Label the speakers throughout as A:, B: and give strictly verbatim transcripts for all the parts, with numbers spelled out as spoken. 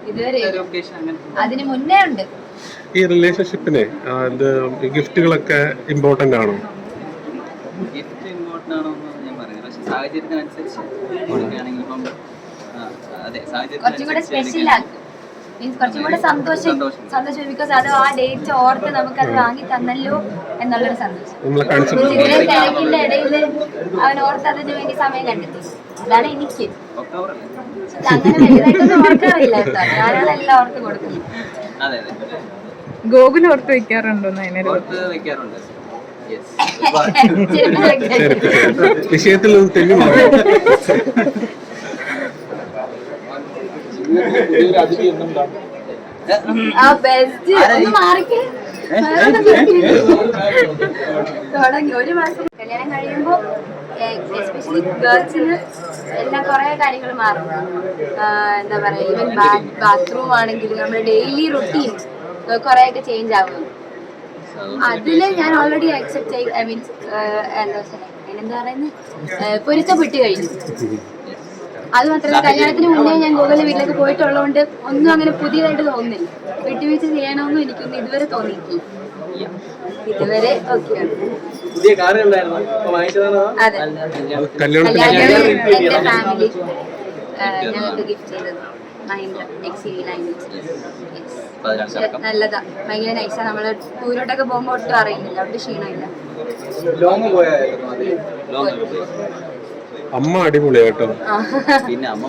A: ഇതുവരെ അതിന് മുന്നേ ഉണ്ട്.
B: ഈ റിലേഷൻഷിപ്പിന് ഗിഫ്റ്റുകളൊക്കെ ഇമ്പോർട്ടന്റ് ആണോ?
C: ഗിഫ്റ്റ് ഇമ്പോർട്ടന്റ് ആണോ എന്ന് ഞാൻ പറയുന്നത്, പക്ഷെ സാഹചര്യത്തിനനുസരിച്ച് കൊടുക്കുകയാണെങ്കിൽ ഇപ്പം
A: കുറച്ചും കൂടെ സ്പെഷ്യൽ ആക്കും, മീൻസ് കുറച്ചും കൂടെ സന്തോഷം സന്തോഷം ബിക്കോസ് അത് ആ ഡേറ്റ് ഓർത്ത് നമുക്കത് വാങ്ങി തന്നല്ലോ എന്നുള്ളൊരു സന്തോഷം. ഇത്രയും തിരക്കിന്റെ ഇടയിൽ അവൻ ഓർത്ത് അതിന് വേണ്ടി സമയം കണ്ടെത്തി, അതാണ് എനിക്ക്. അങ്ങനെ വലുതായിട്ടൊന്നും ഓർക്കാറില്ല കേട്ടോ, ഞാനാണെല്ലാം ഓർത്ത് കൊടുക്കുന്നു.
D: ഗോകുൽ ഓർത്ത് വെക്കാറുണ്ടോ?
B: വിഷയത്തിൽ തെളിവ്
A: തുടങ്ങി ഒരു മാസം കല്യാണം കഴിയുമ്പോ എസ്പെഷ്യലി ഗേൾസിന് എല്ലാം കുറെ കാര്യങ്ങൾ മാറും. എന്താ പറയാ, ഈവൻ ബാത്റൂം ആണെങ്കിലും നമ്മുടെ ഡെയിലി റുട്ടീൻ കുറെയൊക്കെ ചേഞ്ച് ആവും. അതില് ഞാൻ ഓൾറെഡി അക്സെപ്റ്റ് ചെയ്ത് ഐ മീൻസ് എന്താ എന്താ പറയുന്നത് പൊരുത്തപ്പെട്ട് കഴിഞ്ഞു. അത് മാത്രമല്ല, കല്യാണത്തിന് മുന്നേ ഞാൻ ഗോകുലിന്റെ വീട്ടിലേക്ക് പോയിട്ടുള്ളതുകൊണ്ട് ഒന്നും അങ്ങനെ പുതിയതായിട്ട് തോന്നുന്നില്ല. വിട്ടുവീഴ്ച ചെയ്യണമെന്നും എനിക്കൊന്നും ഇതുവരെ തോന്നിയിട്ടില്ല. ഇതുവരെ ഓക്കെയാണ്. അതെ, എന്റെ ഫാമിലി ഞങ്ങൾക്ക് ഗിഫ്റ്റ് ചെയ്തത് മഹീന്ദ്ര എക്സ് വി നയൻ. നല്ലതാ, ഭയങ്കര നൈസാ. നമ്മള് ടൂരോട്ടൊക്കെ പോകുമ്പോ ഒട്ടും അറിയുന്നില്ല, ഒട്ടും ക്ഷീണമില്ല.
B: അമ്മ അടിപൊളിയാട്ടോ.
C: പിന്നെ അമ്മ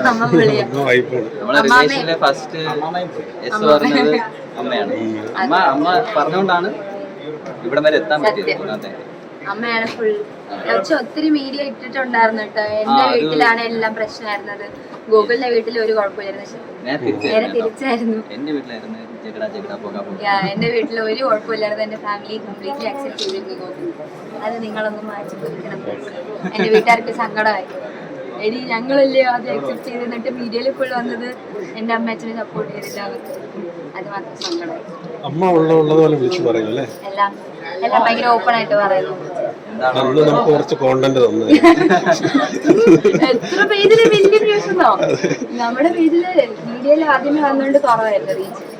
C: പൊളിയാണ്. ഫസ്റ്റ് എസ് പറഞ്ഞത് അമ്മയാണ്. അമ്മ അമ്മ പറഞ്ഞുകൊണ്ടാണ് ഇവിടം വരെ എത്താൻ പറ്റിയത്.
A: അമ്മയാണ് ഫുൾ. പക്ഷെ ഒത്തിരി മീഡിയ ഇട്ടിട്ടുണ്ടായിരുന്നു കേട്ടോ. എന്റെ വീട്ടിലാണ് എല്ലാം പ്രശ്നമായിരുന്നത്, ഗോകുലിന്റെ വീട്ടിൽ ഒരു കുഴപ്പമില്ലായിരുന്നു. നേരെ തിരിച്ചായിരുന്നു.
C: എന്റെ വീട്ടിലായിരുന്നു
A: എന്റെ വീട്ടിൽ ഒരു കുഴപ്പമില്ലായിരുന്നു. എന്റെ ഫാമിലി കംപ്ലീറ്റ്ലി അക്സെപ്റ്റ് ചെയ്തിരുന്നു ഗോകുൽ. അത് നിങ്ങളൊന്നും മാറ്റി കൊടുക്കണം. എന്റെ വീട്ടുകാർക്ക് സങ്കടമായി. എടി ഞങ്ങളല്ലേ അത് അക്സെപ്റ്റ് ചെയ്തിട്ട് മീഡിയയിൽ ഫുൾ വന്നത് എന്റെ അമ്മ അച്ഛനെ സപ്പോർട്ട് ചെയ്തില്ല. അത് മാത്രം സങ്കടമായി.
B: അമ്മ ഉള്ളതുപോലെ വിളിച്ചു പറയൂല്ലേ?
A: എല്ലാം എല്ലാം ഭയങ്കര ഓപ്പൺ ആയിട്ട് പറയുന്നു.
B: നമുക്ക് കുറച്ച് കോണ്ടന്റ് തന്നു.
A: എത്ര പേജില് വലിയ ന്യൂസ് ഉണ്ടോ? നമ്മുടെ പേജില് മീഡിയയിൽ ആദ്യമേ വന്നുകൊണ്ട് കുറവായിരുന്നു റീച്ച്.